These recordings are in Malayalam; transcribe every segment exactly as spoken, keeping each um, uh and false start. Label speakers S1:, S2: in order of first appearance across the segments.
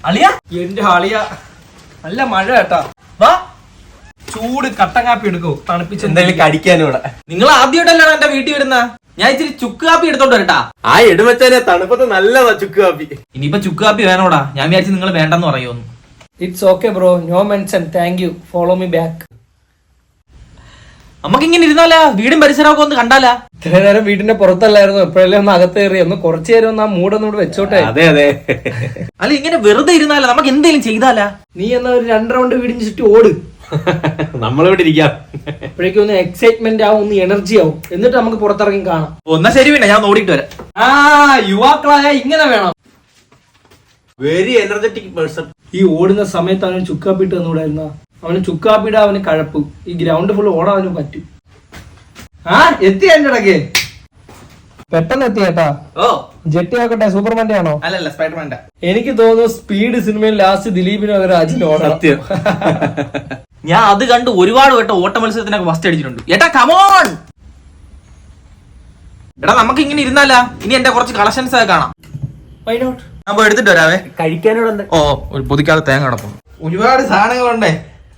S1: അളിയ എന്റെ അളിയ നല്ല മഴ കേട്ടാ. വാ ചൂട് കട്ടൻ കാപ്പി എടുക്കോ, തണുപ്പിച്ച്
S2: എന്തായാലും കടിക്കാനും ഇവിടെ.
S1: നിങ്ങൾ ആദ്യമായിട്ടല്ലാണ് എന്റെ വീട്ടിൽ വരുന്ന. ഞാൻ ഇച്ചിരി ചുക്ക് കാപ്പി എടുത്തോണ്ട് വരട്ടാ.
S2: ആ എടുമച്ചാനെ തണുപ്പത്ത് നല്ലതാ ചുക്ക് കാപ്പി.
S1: ഇനിയിപ്പൊ ചുക്ക് കാപ്പി വേണോടാ, ഞാൻ വിചാരിച്ചു നിങ്ങൾ വേണ്ടെന്ന് പറയുമോന്ന്.
S3: It's okay bro, no mention, thank you, follow me back.
S1: നമുക്ക് ഇങ്ങനെ ഇരുന്നാലാ, വീടും പരിസരമൊക്കെ ഒന്ന് കണ്ടാലാ.
S3: ഇത്ര നേരം വീടിന്റെ പുറത്തല്ലായിരുന്നു, എപ്പോഴല്ലേ ഒന്ന് അകത്ത് കയറി ഒന്ന് കുറച്ചു നേരം ഒന്ന് ആ മൂടൊന്നും ഇവിടെ വെച്ചോട്ടെ.
S2: അതെ അതെ.
S1: അല്ല ഇങ്ങനെ വെറുതെ ഇരുന്നാലാ, നമുക്ക് എന്തെങ്കിലും ചെയ്താലാ.
S3: നീ എന്നാ ഒരു രണ്ട് റൗണ്ട് വീടിന് ചുറ്റും ഓട്,
S2: നമ്മളിവിടെ ഇരിക്കാം.
S3: അപ്പോഴേക്കും ഒന്ന് എക്സൈറ്റ്മെന്റ് ആവും, ഒന്ന് എനർജി ആവും, എന്നിട്ട് നമുക്ക് പുറത്തിറങ്ങി കാണാം.
S1: ഒന്നാ ശരി വേണ്ട, ഞാൻ ഓടിയിട്ട് വരാം.
S3: ആ യുവാക്കളായ ഇങ്ങനെ വേണം.
S2: Very energetic person.
S3: ഈ ഓടുന്ന സമയത്ത് അവന് ചുക്കാപ്പിട്ട് തന്നൂടായിരുന്ന, അവന് ചുക്കാപ്പിട അവന് കഴപ്പ്, ഈ ഗ്രൗണ്ട് ഫുൾ ഓടാൻ അവന് പറ്റും. ആ എത്തി എന്റെ ഇടയ്ക്ക് പെട്ടെന്ന് എത്തി കേട്ടാ.
S1: ഓ
S3: ജെട്ടി ആക്കട്ടെ, സൂപ്പർമാന്റെ ആണോ?
S1: അല്ലല്ല സ്പൈഡർമാന്റെ.
S3: എനിക്ക് തോന്നുന്നു സ്പീഡ് സിനിമയിൽ ലാസ്റ്റ് ദിലീപിന് പകരം അജിന് ഓടാം.
S2: സത്യം.
S1: ഞാൻ അത് കണ്ട് ഒരുപാട് വട്ടം ഓട്ട മത്സരത്തിനൊക്കെ ഫസ്റ്റ് അടിച്ചിട്ടുണ്ട്. ഏട്ടാ കമോൺ. എടാ നമുക്ക് ഇങ്ങനെ ഇരുന്നാലാ, ഇനി എന്റെ കുറച്ച് കളക്ഷൻസ് ഒക്കെ കാണാം.
S3: Why not?
S1: ഞാൻ പോയി എടുത്തിട്ട് വരാവേ.
S2: കഴിക്കാനോട് എന്താ?
S1: ഓ ഒരു പൊതിക്കാതെ തേങ്ങ കിടക്കും. ഒരുപാട് സാധനങ്ങളുണ്ടേ.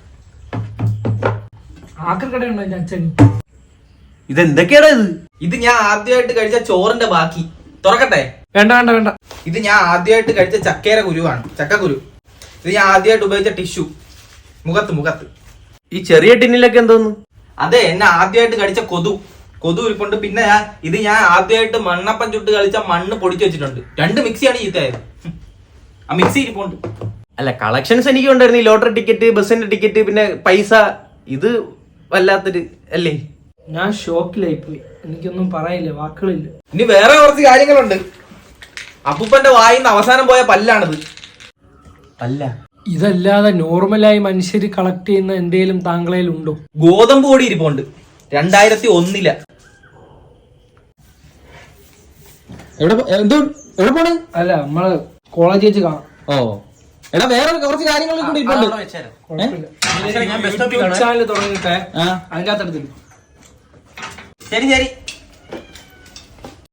S3: ആക്രിക്കടയുണ്ടോ എന്റെ അച്ഛൻ?
S2: ഇതെന്തൊക്കെയാടാ ഇത്?
S1: ഇത് ഞാൻ ആദ്യമായിട്ട് കഴിച്ച ചോറിന്റെ ബാക്കി. തുറക്കട്ടെ?
S3: വേണ്ട വേണ്ട വേണ്ട.
S1: ഇത് ഞാൻ ആദ്യമായിട്ട് കഴിച്ച ചക്കേര കുരുവാണ്, ചക്കക്കുരു. ഇത് ഞാൻ ആദ്യമായിട്ട് ഉപയോഗിച്ച ടിഷ്യൂ, മുഖത്ത് മുഖത്ത്.
S2: ഈ ചെറിയ ടിന്നിലൊക്കെ എന്തോന്നു?
S1: അതെ, എന്നെ ആദ്യമായിട്ട് കഴിച്ച കൊതു കൊതു ഇരിപ്പുണ്ട്. പിന്നെ ഞാൻ ഇത് ഞാൻ ആദ്യമായിട്ട് മണ്ണപ്പം ചുട്ട് കളിച്ച മണ്ണ് പൊടിച്ചു വെച്ചിട്ടുണ്ട്. രണ്ട് മിക്സിയാണ് ചീത്തയായത്. ആ മിക്സി ഇരിപ്പുണ്ട്.
S2: അല്ല കളക്ഷൻസ് എനിക്ക് ഉണ്ടായിരുന്നു. ഈ ലോട്ടറി ടിക്കറ്റ്, ബസ്സിന്റെ ടിക്കറ്റ്, പിന്നെ പൈസ. ഇത് വല്ലാത്തൊരു അല്ലേ.
S3: ഞാൻ ഷോക്കിലായി പോയി, എനിക്കൊന്നും പറയില്ല, വാക്കുകളില്ല.
S1: ഇനി വേറെ കുറച്ച് കാര്യങ്ങളുണ്ട്. അപ്പൂപ്പന്റെ വായിന്ന് അവസാനം പോയ പല്ലാണിത്.
S2: അല്ല
S3: ഇതല്ലാതെ നോർമലായി മനുഷ്യര് കളക്ട് ചെയ്യുന്ന എന്തെങ്കിലും താങ്കളയിൽ ഉണ്ടോ?
S1: ഗോതമ്പ് പൊടി ഇരിപ്പുണ്ട്, രണ്ടായിരത്തി ഒന്നില.
S2: എവിടെ പോണ്?
S3: അല്ല നമ്മള് കോളേജ് വെച്ച് കാണാം.
S2: ഓ എടാ വേറെ കുറച്ച് കാര്യങ്ങൾ കൂടി ഇരിപ്പുണ്ട്.
S3: ചാനൽ തുടങ്ങിട്ടെ അതിന്റെ അകത്തെടുത്തില്ല.
S1: ശരി ശരി.